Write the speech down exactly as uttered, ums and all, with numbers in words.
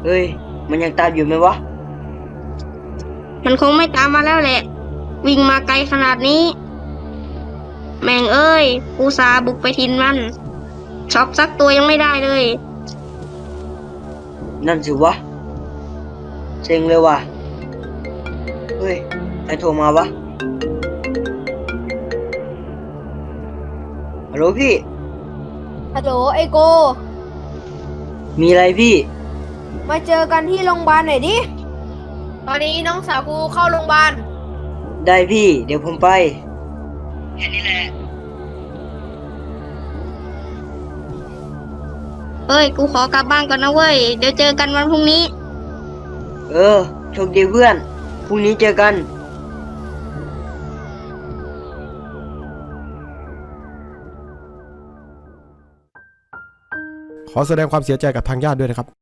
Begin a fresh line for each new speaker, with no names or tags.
เฮ้ยมันยังตามอยู่ไหมวะ
มันคงไม่ตามมาแล้วแหละวิ่งมาไกลขนาดนี้แม่งเอ้ยอุตส่าห์บุกไปทินมันช็อปสักตัวยังไม่ได้เลย
นั่นสิวะเซ็งเลยว่ะเฮ้ยใครโทรมาวะฮัลโหลพี่
ฮัลโหลไอโก
มีอะไรพี่
มาเจอกันที่โรงพยาบาลหน่อยดิตอนนี้น้องสาวกูเข้าโรงพยาบาล
ได้พี่เดี๋ยวผมไปแค่นี้แหละ
เฮ้ยกูขอกลับบ้านก่อนนะเว้ยเดี๋ยวเจอกันวันพรุ่งนี้
เออโชคดีเพื่อนพรุ่งนี้เจอกัน
ขอแสดงความเสียใจกับทางญาติด้วยนะครับ